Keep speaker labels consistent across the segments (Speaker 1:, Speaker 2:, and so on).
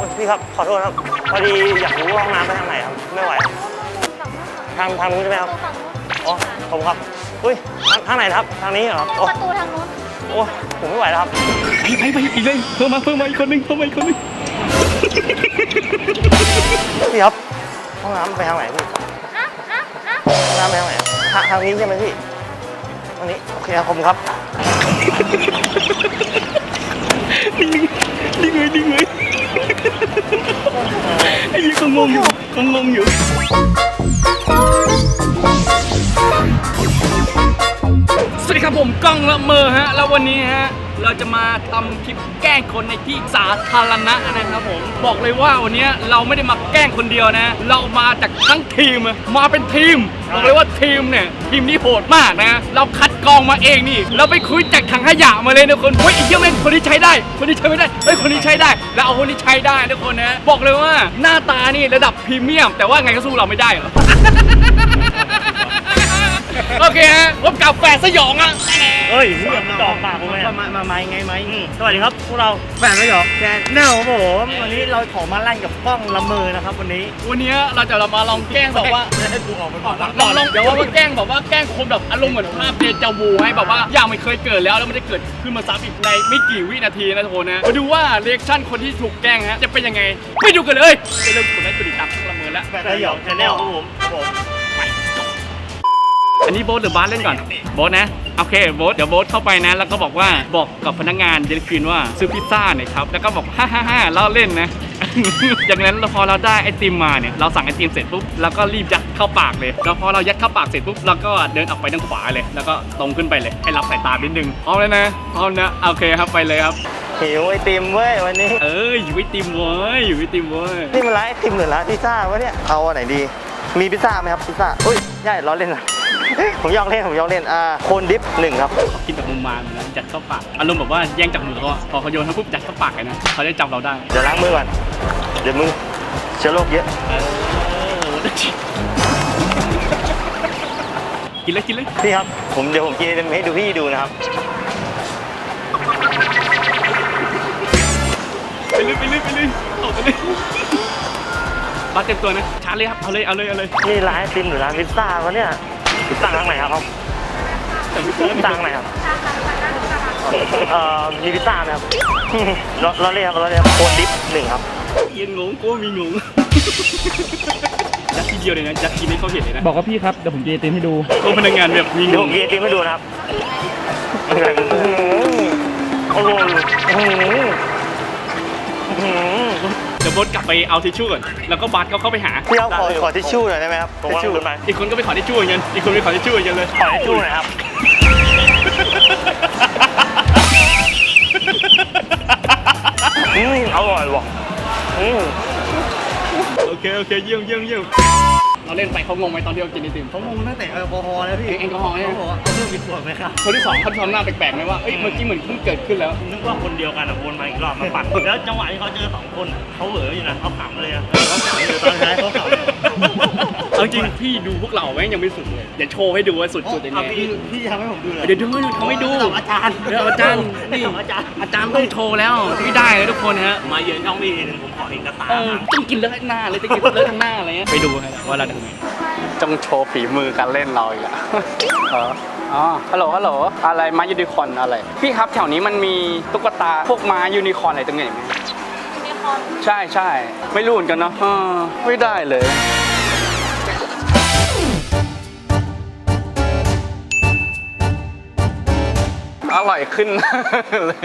Speaker 1: พี่ครับขอโทษครับพอดีอยากรู้ว่าห้องน้ำไปทางไหนครับไม่ไหวทางนู้นใช่ไหมครับอ๋อผมครับอุ้ยทางไหนครับทางนี้เหรอ
Speaker 2: ประตูทางนู้น
Speaker 1: โอ้ผมไม่ไหวแล้วครับ
Speaker 3: ไปอีกเลยเพิ่มมาอีกคนนึง
Speaker 1: พี่ครับห้องน้ำไปทางไหนพี่ห้องน้ำไปทางไหนทางนี้ใช่ไหมพี่ทางนี้โอเคครับผมครับ
Speaker 3: นิ่งเลยไอ้ยี่ก็งงอยู่สวัสดีครับผมก้องละเมอฮะแล้ววันนี้ฮะเราจะมาทำคลิปแกล้งคนในที่สาธารณะนะครับผมบอกเลยว่าวันนี้เราไม่ได้มาแกล้งคนเดียวนะเรามาจากทั้งทีมมาเป็นทีมบอกเลยว่าทีมเนี่ยทีมนี้โหดมากนะเราคัดกรองมาเองนี่เราไปคุยจากถังขยะมาเลยนะคนเฮ้ยไอ้เหี้ยแม่งคนนี้ใช้ได้คนนี้ใช้ไม่ได้เฮ้ยคนนี้ใช้ได้แล้วเอาคนนี้ใช้ได้ทุกคนนะบอกเลยว่าหน้าตานี่ระดับพรีเมียมแต่ว่าไงก็สู้เราไม่ได้หรอ โอเคฮะพบกับแฝดสยองอ่ะ
Speaker 1: เฮ้ยเรื่องจ่อปากผมเลย
Speaker 4: มาไงไหม
Speaker 1: สวัสดีครับพวกเรา
Speaker 4: แฟนไม่หรอแฟนแน่ครับผมวันนี้เราขอมาลั่นกับกล้องละเมอนะครับวันนี้
Speaker 3: เราจะมาลองแกล้งแบบว่า
Speaker 4: ให้กูออกไปก่อน
Speaker 3: ลองเดี๋ยวว่าแกล้งแบบว่าแกล้งคนแบบอารมณ์เหมือนภาพเดจาวูให้แบบว่าอย่างไม่เคยเกิดแล้วมันจะเกิดขึ้นมาซ้ำอีกในไม่กี่วินาทีนะทุกคนนะมาดูว่าเรีแอคชั่นคนที่ถูกแกล้งฮะจะเป็นยังไงไปดูกันเลยไปเริ่มกดไลค์กดติดตามละเมอแล้ว
Speaker 4: แฟนสยองแชนแนลครับผม
Speaker 3: อันนี้โบ๊ทหรือบาสเล่นก่อนโบ๊ทนะโอเคโบ๊ทเดี๋ยวโบ๊ทเข้าไปนะแล้วก็บอกกับพนักงานเดลิเวอรี่ว่าซื้อพิซซ่าหน่อยครับแล้วก็บอกฮ่าเล่าเล่นนะ จากนั้นพอเราได้ไอติมมาเนี่ยเราสั่งไอติมเสร็จปุ๊บเราก็รีบยัดเข้าปากเลยแล้วพอเรายัดเข้าปากเสร็จปุ๊บเราก็เดินออกไปทางขวาเลยแล้วก็ตรงขึ้นไปเลยให้รับสายตานิดนึงพร้อมเลยนะพร้อมนะโอเคครับไปเลยครับ
Speaker 1: หิวไอติมเว้ยวันนี้
Speaker 3: อยู่ไอติมเว้ย
Speaker 1: นี่มันร้านไอติมหรือร้านพิซซ่าวะเนี่ยเอาอันไหนดีมีพิซซ่าไหมครับพิซซ่าอุ้ยใช่ล้อเล่นนะ ผมยอกเล่นโคนดิฟ1ครับ
Speaker 3: กินแบบมุมมามนะยัดเข้าปากอารมณ์แบบว่าแย่งจากมือเขาพอเขาโยนเขาปุ๊บยัดเข้าปากเลยนะเขาได้จับเราได้
Speaker 1: เดี๋ยวล้างมือก่อนเดี๋ยวมือเชื้อโรคเยอะ
Speaker 3: กินเลย
Speaker 1: พี่ครับเดี๋ยวผมกินให้ดูพี่ดูนะครับ
Speaker 3: ไปเลยออกไปเลยบัสเต็มตัวนะชาร์จเลยครับเอาเลย
Speaker 1: นี่ร้านไอติมหรือร้านพิซซ่าวะเนี่ยสั่งทางไหนครับสั่งทางไหนครับมีพิซซ่าไหมครับรอเลยครับโคนดิฟ1ครับ
Speaker 3: ยังงงกูมีงงยัดทีเดียวเลยนะยัดทีนี้เขาเห็นเลยนะบอกว่าพี่ครับเดี๋ยวผมจะเต็มให้ดูโอ้พนักงานแบบมีงง
Speaker 1: เดี๋ยวผมจะเต็มให้ดูนะครับโอ้โห
Speaker 3: เดี๋ยวโบ๊ทกลับไปเอาทิชชู่ก่อนแล้วก็บัสเขาเข้าไปหา
Speaker 1: พี่เอาขอทิชชู่หน่อยได้ไหมครับทิชชู่
Speaker 3: อีกคนก็ไปขอทิชชู่อย่างเงี้ยอีกคนไปขอทิชชู่อย่างเงี้ยเลย
Speaker 1: ขอทิชชู่หน่อยครับอร่อยว่ะ
Speaker 3: โอเคเยี่ยมเราเล่นไปเขางงไหมตอนที่เรากินไอติม
Speaker 4: เขางงตั้งแต่แอลกอฮอล์แล้วพี่
Speaker 3: แอลกอฮอล์เนี่ย
Speaker 4: เขาบอกว่าเอาเพิ่มอีกขวดไหมครับ
Speaker 3: คนที่2เขาทำหน้าแปลกๆไหมว่าเมื่อกี้เหมือนเพิ่งเกิดขึ้นแล้ว
Speaker 4: นึกว่าคนเดียวกันวนมาอีกรอบมาปั่นแล้วจังหวะที่เขาเจอ2คนเขาเหวออยู่นะเขาขำเลยเขาขำอยู่ตอนท้ายเขาขำ
Speaker 3: เอาจริงพี่ดูพวกเราแม่งยังไม่สุดเลยเดี๋ยวโชว์ให้ดูว่าสุดยังไง
Speaker 4: พี่ทำให้ผมดูเลย
Speaker 3: เดี๋ยวดูเขาไม่ดู
Speaker 4: อาจารย์
Speaker 3: นี่อาจารย์ต้องโชว์แล้วที่ได้เลยทุกคนฮะ
Speaker 4: มาเยือนช่องพี่นึงผมขอเอกสาร
Speaker 3: ต้องกินเลอะหน้าเลยต้องกินเลอะทั้งหน้าอะไรเงี้ยไปดูว่าเราทำไง
Speaker 5: ต้องโชว์ฝีมือการเล่นเราอีกแล้วฮัลโหลอะไรม้ายูนิคอร์นอะไรพี่ครับแถวนี้มันมีตุ๊กตาพวกม้ายูนิคอร์นอะไรตรงไหนไหม
Speaker 2: ยูนิคอร์น
Speaker 5: ใช่ไม่รู้เหมือนกันเนาะไม่ได้เลยอร่อยขึ้นเลย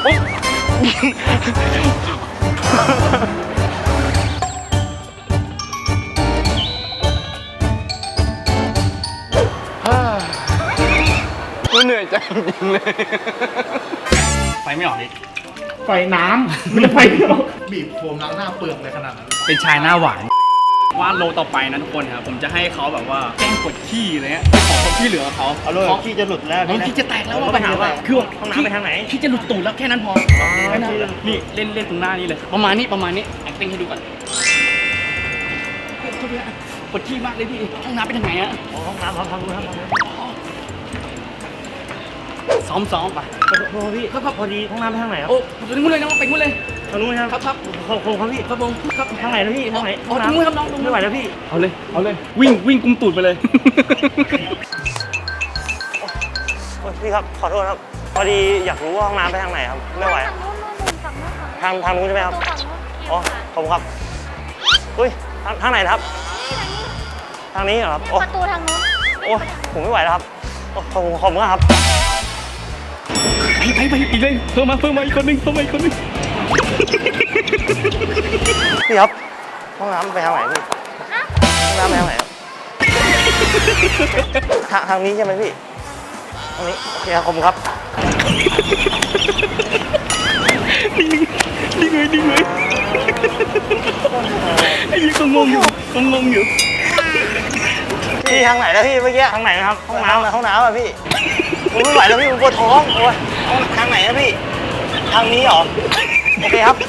Speaker 5: เหนื่อยใจจริงเลย
Speaker 3: ไฟไม่ออกดิ
Speaker 4: ไฟน้ำไม่ไฟบีบโฟมล้างหน้าเปลือกเลยขนาดนั้น
Speaker 3: เป็นชายหน้าหวานว่าโลต่อไปนะทุกคนครับผมจะให้เขาแบบว่าแกล้งกดขี้อะไรเงี้ยขอเขาที่เหลือเขา
Speaker 4: เอาเลยขี้จะหลุดแล้ว
Speaker 3: ขี้จะแตกแล้วว่าปัญหาว่าคือ
Speaker 1: ห้องน้ำไปทางไหน
Speaker 3: ขี้จะหลุดตูดแล้วแค่นั้นพอนี่เล่นตรงหน้านี่เลยประมาณนี้acting ให้ดูก่อนกดขี้มากเลยพี่ห้องน้ำไปทางไหนอะ
Speaker 1: ห้องน้ำทางนู้น
Speaker 3: ซ้อมไป
Speaker 1: โทษพี่ก็พอดีห้องน้ำไปทางไหนครับ
Speaker 3: โอ้ไปงู้นเลยนะไปงู้นเลย
Speaker 4: ทางนู้นครับ
Speaker 3: ครับ
Speaker 4: ขอบคุณครับพี่
Speaker 3: ครับผมครับ
Speaker 4: ทางไหนนะพี่ทางไหน
Speaker 3: อ๋อตรงนู้นครับน้องตรงนู้น
Speaker 4: ไม่ไหวแล้วพี่
Speaker 3: เอาเลยวิ่งกุมตูดไปเลย
Speaker 1: โอ้ยพี่ครับขอโทษครับพอดีอยากรู้ว่าห้องน้ำไปทางไหนครับไม่ไหว
Speaker 2: ทางนู้น
Speaker 1: ทางนู้นใช่ไหมครับ
Speaker 2: ฝั่งนู้น
Speaker 1: อ๋อขอบคุณครับอุ้ยทางไหนนะครับ ทางนี้เหรอครับโอ้
Speaker 2: ประตูทางนู้น
Speaker 1: โอ้ผมไม่ไหวแล้วครับโอ้ขอบคุณครับ
Speaker 3: ไปอีกเลยเพิ่มมาอีกคนนึง
Speaker 1: พี่ครับห้องน้ำไปทางไหนพี่ห้องน้ำไปทางไหนทางนี้ใช่ไหมพี่ทางนี้โอเคครับขอบคุณครับ
Speaker 3: นี่ไงไอ้ยี่ก็งงอยู่
Speaker 1: พี่ทางไหนแล้วพี่เมื่อกี้ทางไหนนะครับห้องน้ำอ่ะพี่ผมไม่ไหวแล้วพี่ผมปวดท้องโอ้ยทางไหนนะพี่ทางนี้เหรอโอเคครับ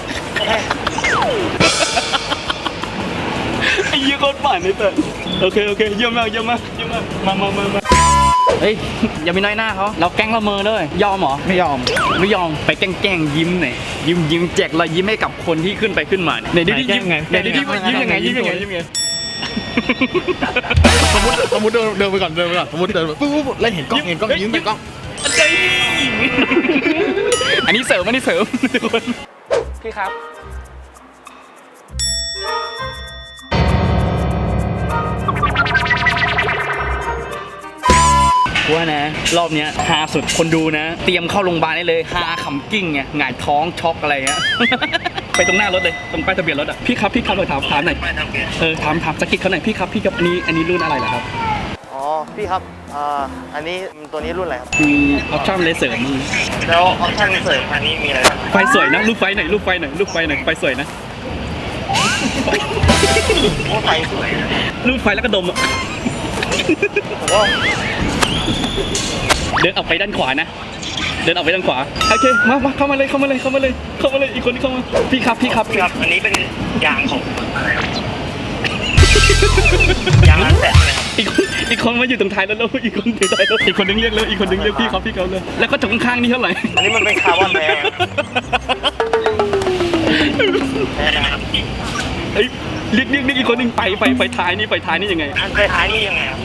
Speaker 1: โอเค
Speaker 3: ไอ้ยี่โคตรฝันเลยเต๋อโอเคเยี่ยมมากมาเฮ้ยอย่าไปน้อยหน้าเขาเราแกล้งละเมอเลยยอมเหรอไม่ยอมไปแกล้งยิ้มหน่อยยิ้มแจกรอยยิ้มให้กับคนที่ขึ้นไปขึ้นมาไหนดิยิ้มไงยิ้มยังไง
Speaker 6: สมมติเดินไปก่อนสมมติเดินไปปุ๊บแล้วเห็นกล้องยิ้มไปกล้อง
Speaker 3: อันนี้เสริมทุกคนพี่ครับว่านะรอบเนี้ยฮาสุดคนดูนะเตรียมเข้าโรงพยาบาลได้เลยฮาขำกิ้งไงหงายท้องช็อกอะไรเงี้ย ไปตรงหน้ารถเลยตรงป้ายทะเบียนรถอ่ะพี่ครับเราถามหน่อยถามสกิดเขาหน่อยพี่ครับอันนี้รุ่นอะไรเหรอครับ
Speaker 1: อ๋อพี่ครับอันนี้ตัวนี้รุ่นอะไรครับ
Speaker 3: มีออปชั่นเลยเสริม
Speaker 1: แล้วออปชั่นเสริมอันนี้มีอะไรบ้าง
Speaker 3: ไฟสวยนะรูปไฟหน่อยไฟสวยนะ
Speaker 1: โอ้ไฟสวย
Speaker 3: รูปไฟแล้วก็ดมอ่ะ
Speaker 1: โอ้
Speaker 3: เดินออกไปด้านขวานะโอเคมาเข้ามาเลยอีกคนที่เข้ามาพี่ครับ
Speaker 1: อันนี้เป็นยางของอะไรครับยางร้านแตะไหมครับ
Speaker 3: อีกคนมาอยู่ตรงท้ายแล้วอีกคนถือท้ายรถอีกคนนึงเรียกพี่ครับพี่เขาเลยแล้วก็ตรงข้างนี่เท่าไหร่
Speaker 1: อันนี้มันเป็นคาร์บอนแท้นะครับ
Speaker 3: เฮ้ยเรียกอีกคนนึงไปท้ายนี่ยังไง
Speaker 1: อันไฟท้ายนี่ยังไงครับ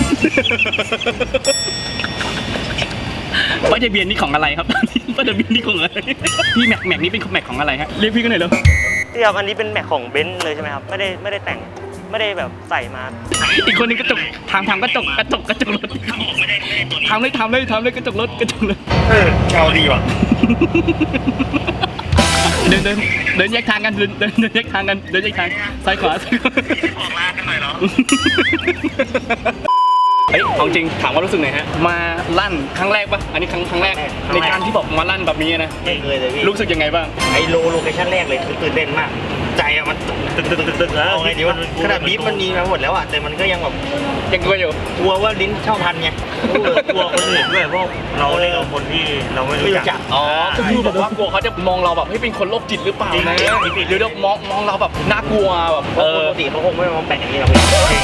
Speaker 3: ป้ายทะเบียนนี่ของอะไรครับป้ายทะเบียนนี่ของอะไรพี่แม็กนี่เป็นแม็กของอะไรฮะเรียกพี่กันหน่อยเร็ว
Speaker 1: พี่ครับอันนี้เป็นแม็กของเบนซ์เลยใช่ไหมครับไม่ได้แต่งไม่ได้แบบใส่มา
Speaker 3: อีกคนนึงกระจกถามกระจกรถถามเลยกระจกรถ
Speaker 1: เชาดีว่ะ
Speaker 3: เดินแยกทางกันเดินแยกทางซ้ายขวา
Speaker 1: ออกลากันหน่อยเหรอ
Speaker 3: เฮ้ยของจริงถามว่ารู้สึกไงฮะมาลั่นครั้งแรกปะอันนี้ครั้งแรกในการที่บอกมาลั่นแบบนี้นะ
Speaker 1: ไม่เคยเลยพี่
Speaker 3: รู้สึกยังไงบ้าง
Speaker 1: ไอโลเคชั่นแรกเลยคือตื่นเต้นมากใจอะมันตึกแล้วเอาไงดีวะขนาดบีฟมันมีมาหมดแล้วอะแต่มันก็ยังแบบ
Speaker 3: ยังกลัวอยู่
Speaker 1: กลัวว่าลิ้นเช่าทันไงกลัวคนอื่นด้วยเพราะเราเล่นกับคนที่เราไม่รู้จัก
Speaker 3: อ๋อก็คือแบบว่ากลัวเขาจะมองเราแบบให้เป็นคนโรคจิตหรือเปล่านะหรือมองเราแบบน่ากลัวแบบ
Speaker 1: ปกติเขาคงไม่มาแปะอย่างนี้หรอก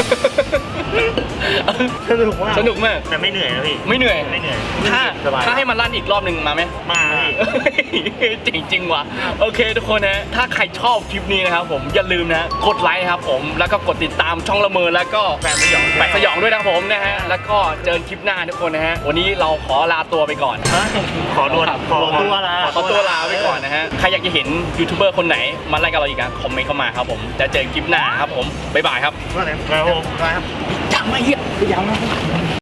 Speaker 1: สนุกมากแต่ไม่เหนื่อยนะพี่
Speaker 3: ไม่เหนื่อย
Speaker 1: สบาย
Speaker 3: ถ้าให้มาลั่นอีกรอบหนึ่งมาไหม
Speaker 1: มาพี่
Speaker 3: จริงว่ะโอเคทุกคนนะถ้าใครชอบคลิปนี้นะครับผมอย่าลืมนะกดไลค์ครับผมแล้วก็กดติดตามช่องละเมอแล้วก็แปะสยองด้วยนะครับผมนะฮะแล้วก็เจอคลิปหน้าทุกคนนะฮะวันนี้เราขอลาตัวไปก่อน
Speaker 1: ขอตัวลา
Speaker 3: ไปก่อนนะฮะใครอยากจะเห็นยูทูบเบอร์คนไหนมาไล่กับเราอีกคอมเมนต์เข้ามาครับผมจะเจอคลิปหน้าครับผมบ๊ายบายครับ
Speaker 1: ครับ
Speaker 3: ยังไม่เหี้ยยัง